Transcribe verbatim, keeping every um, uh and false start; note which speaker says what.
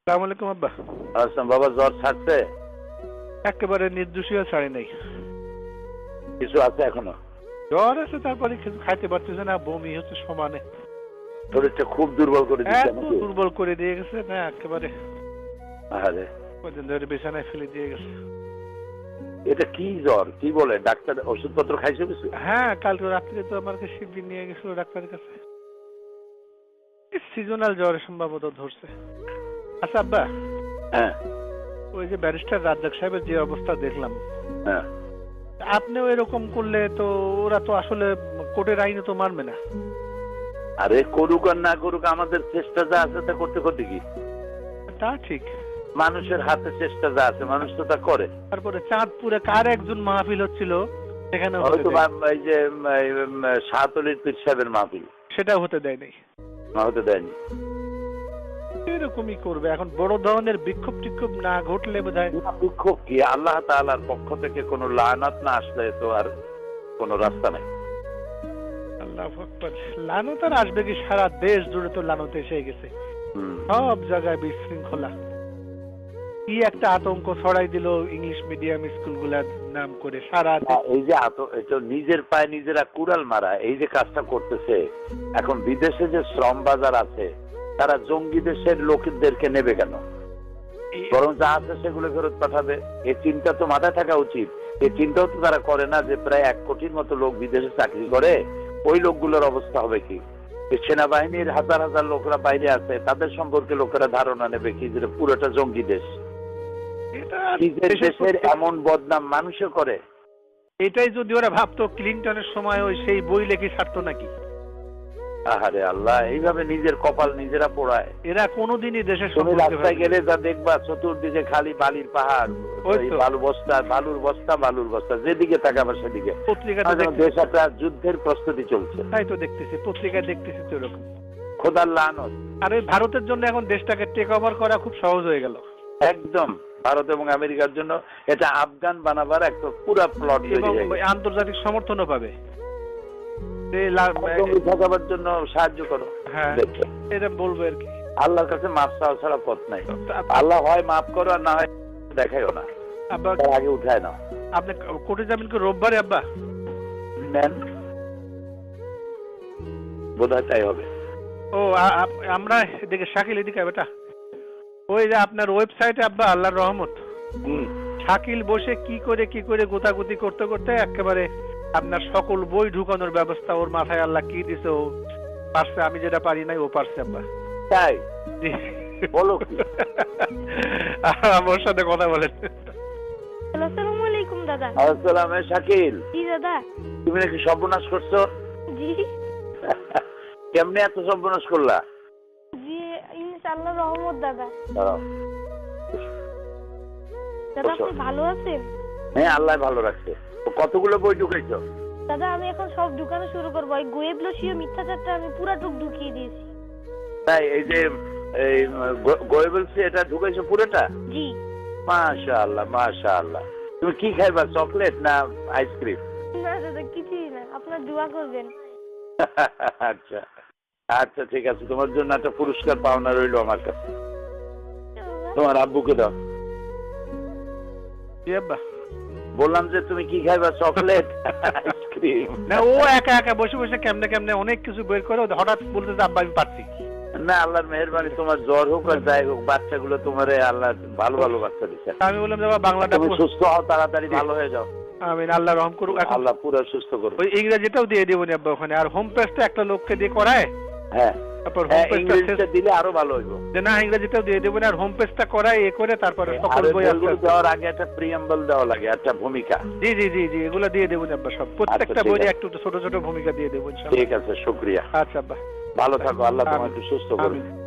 Speaker 1: আসসালামু আলাইকুম আব্বা।
Speaker 2: আসসালাম বাবা, জ্বর ছাড়ছে?
Speaker 1: একেবারে নির্দোষীয় ছাড়ি নাই,
Speaker 2: কিছু আছে এখনো?
Speaker 1: জ্বর আছে, তারপরে কিছু খাইতে পারতেছে না, বমি হচ্ছে সমানে।
Speaker 2: শরীরটা খুব দুর্বল করে দিচ্ছে
Speaker 1: এত দুর্বল করে দিয়ে গেছে না একেবারে,
Speaker 2: আরে
Speaker 1: কদিন ধরে বিছানায় ফেলে দিয়ে গেছে।
Speaker 2: এটা কি জ্বর, কি বলে ডাক্তার? ওষুধপত্র খাইছো কিছু?
Speaker 1: হ্যাঁ, কালকে রাত্রে তো আমাকে শিবির নিয়ে গেছিল ডাক্তারের কাছে। সিজনাল জ্বর সম্ভবত ধরছে। আচ্ছা আব্বা,
Speaker 2: হ্যাঁ
Speaker 1: ওই যে ব্যারিস্টার রাজ্জাক সাহেবের যে অবস্থা দেখলাম,
Speaker 2: হ্যাঁ,
Speaker 1: আপনিও এরকম করলে তো ওরা তো আসলে কোর্টের আইনে তো মানবে না।
Speaker 2: আরে করুক আর না করুক, আমাদের চেষ্টা যা আছে তা করতে করতে কি,
Speaker 1: তা ঠিক।
Speaker 2: মানুষের হাতে চেষ্টা যা আছে মানুষ তো তা করে।
Speaker 1: তারপরে চাঁদপুরে কার একজন মাহফিল হচ্ছিল, সেখানে
Speaker 2: হয়তো এই যে শাহতলির পীর সাহেবের মাহফিল,
Speaker 1: সেটা হতে দেয় নাই,
Speaker 2: না হতে দেয়নি।
Speaker 1: এরকমই করবে এখন, বড় ধরনের বিক্ষোভ টিক্ষোভ না ঘটলে বোধহয়।
Speaker 2: বিক্ষোভ কি, আল্লাহ তাআলার পক্ষ থেকে কোনো লানাত না আসলে তো আর কোনো রাস্তা নাই।
Speaker 1: আল্লাহু আকবার। লানত আর আসবে কি, সারা দেশ জুড়ে তো লানত এসে গেছে, সব জায়গায় বিশৃঙ্খলা। কি একটা আতঙ্ক ছড়াই দিল ইংলিশ মিডিয়াম স্কুলগুলার নাম করে সারা।
Speaker 2: এই যে এটা নিজের পায়ে নিজেরা কুড়াল মারা, এই যে কাজটা করতেছে, এখন বিদেশে যে শ্রম বাজার আছে তারা জঙ্গি দেশের লোকদেরকে নেবে কেন? বরং যা আছে সেগুলো ফেরত পাঠাবে। এই চিন্তা তো মাথায় থাকা উচিত। এই চিন্তাও তো তারা করে না যে প্রায় এক কোটির মতো লোক বিদেশে চাকরি করে, ওই লোকগুলোর অবস্থা হবে কি? সেনাবাহিনীর হাজার হাজার লোকরা বাইরে আছে, তাদের সম্পর্কে লোকেরা ধারণা নেবে কি যে পুরোটা জঙ্গি দেশ। নিজের দেশের এমন বদনাম মানুষে করে।
Speaker 1: এটাই যদি ওরা ভাবতো ক্লিনটনের সময় ওই সেই বই লেখি ছাড়তো নাকি?
Speaker 2: আহারে আল্লাহ, এইভাবে নিজের কপাল নিজেরা পোড়ায়।
Speaker 1: এরা কোনোদিনই দেশের
Speaker 2: তুমি রাস্তায় গেলে যা দেখবা চতুর্দিকে খালি বালির পাহাড়, বালু বস্তা, বালুর বস্তা, বালুর বস্তা, যেদিকে তাকাবা সেদিকে।
Speaker 1: পত্রিকাতে
Speaker 2: দেশ একটা যুদ্ধের প্রস্তুতি চলছে।
Speaker 1: তাই তো দেখতেছি, পত্রিকায় দেখতেছি তো এরকম।
Speaker 2: খোদার লানত।
Speaker 1: আর ওই ভারতের জন্য এখন দেশটাকে টেক ওভার করা খুব সহজ হয়ে গেল।
Speaker 2: একদম ভারত এবং আমেরিকার জন্য এটা আফগান বানাবার একটা পুরো প্লট তৈরি হয়ে গেছে।
Speaker 1: আন্তর্জাতিক সমর্থনও পাবে,
Speaker 2: ঠকাবার জন্য সাহায্য করো।
Speaker 1: হ্যাঁ, এটা বলবো আর কি।
Speaker 2: আল্লাহর কাছে মাপ চাওয়া ছাড়া পথ নাই। আল্লাহ হয় মাফ করো আর না হয় দেখাইও না,
Speaker 1: আব্বা
Speaker 2: আগে উঠায় না।
Speaker 1: আপনি কোর্টে যাবেন কি রোববারে আব্বা?
Speaker 2: নেন, বোধহয় তাই হবে।
Speaker 1: ও আমরা এদিকে শাকিল এদিকে বেটা, ওই যে আপনার ওয়েবসাইটে আব্বা আল্লাহর রহমত, শাকিল বসে কি করে কি করে গোতাগুতি করতে করতে একেবারে আপনার সকল বই ঢুকানোর ব্যবস্থা ওর মাথায় আল্লাহ কি দিছে, ও পারছে, আমি যেটা পারি নাই ও পারছে আব্বা।
Speaker 2: তাই বলো কি?
Speaker 1: আমার সাথে কথা বলেন।
Speaker 3: আসসালামু আলাইকুম দাদা।
Speaker 2: আসসালাম। শাকিল,
Speaker 3: জি দাদা।
Speaker 2: তুমি নাকি সর্বনাশ করছো?
Speaker 3: জি।
Speaker 2: কেমনে এত সর্বনাশ করলা?
Speaker 3: জি ইনশাআল্লাহ রহমত দাদা। দাদা আপনি ভালো আছেন?
Speaker 2: হ্যাঁ, আল্লাহ ভালো রাখছে। কতগুলো বই ঢুকাইছো?
Speaker 3: দাদা আমি এখন সব ঢুকানো শুরু করবো। এই গোয়েবলসীয় মিথ্যাচারটা আমি পুরাটুক ঢুকিয়ে দিয়েছি।
Speaker 2: তাই এই যে এই গোয়েবলসি এটা ঢুকাইছো পুরোটা?
Speaker 3: জি।
Speaker 2: মাশাআল্লাহ মাশাআল্লাহ। তুমি কি খাইবা, চকলেট না আইসক্রিম?
Speaker 3: না দাদা কিছুই না, আপনার দোয়া করবেন।
Speaker 2: আচ্ছা আচ্ছা ঠিক আছে, তোমার জন্য একটা পুরস্কার পাওনা রইলো আমার কাছে। তোমার আব্বুকে দাও। বললাম যে তুমি কি খাইবা, চকলেট আইসক্রিম?
Speaker 1: না, ও একা একা বসে বসে কেমনে কেমনে অনেক কিছু বের করে, হঠাৎ বলতে যে আব্বা আমি পারছি
Speaker 2: না। আল্লাহর মেহেরবানি, তোমার জ্বর হোক আর যাই হোক, বাচ্চাগুলো তোমার আল্লাহ ভালো ভালো বাচ্চা দিচ্ছে।
Speaker 1: আমি বললাম যে বাংলাটা
Speaker 2: তুমি সুস্থ হও, তাড়াতাড়ি ভালো হয়ে যাও।
Speaker 1: আমিন, আল্লাহ রহম করুক।
Speaker 2: আল্লাহ পুরো সুস্থ করুক।
Speaker 1: ওই ইংরেজিটাও দিয়ে দেবো নি আব্বা ওখানে, আর হোম পেজটা একটা লোককে দিয়ে করায়।
Speaker 2: হ্যাঁ,
Speaker 1: তারপর হোম পেজটা
Speaker 2: দিলে আরো ভালো হইব।
Speaker 1: যে না ইংরেজিটাও দিয়ে দেবো না, আর হোম পেজটা করায় এ করে তারপরে সকল বই
Speaker 2: দেওয়ার আগে একটা প্রিয়াম্বল দেওয়া লাগে, একটা ভূমিকা।
Speaker 1: জি জি জি জি এগুলো দিয়ে দেবো আব্বা, সব প্রত্যেকটা বইয়ে একটু ছোট ছোট ভূমিকা দিয়ে দেবো ইনশাআল্লাহ।
Speaker 2: ঠিক আছে, শুকরিয়া।
Speaker 1: আচ্ছা আব্বা,
Speaker 2: ভালো থাকো, আল্লাহ তোমাকে সুস্থ করুন।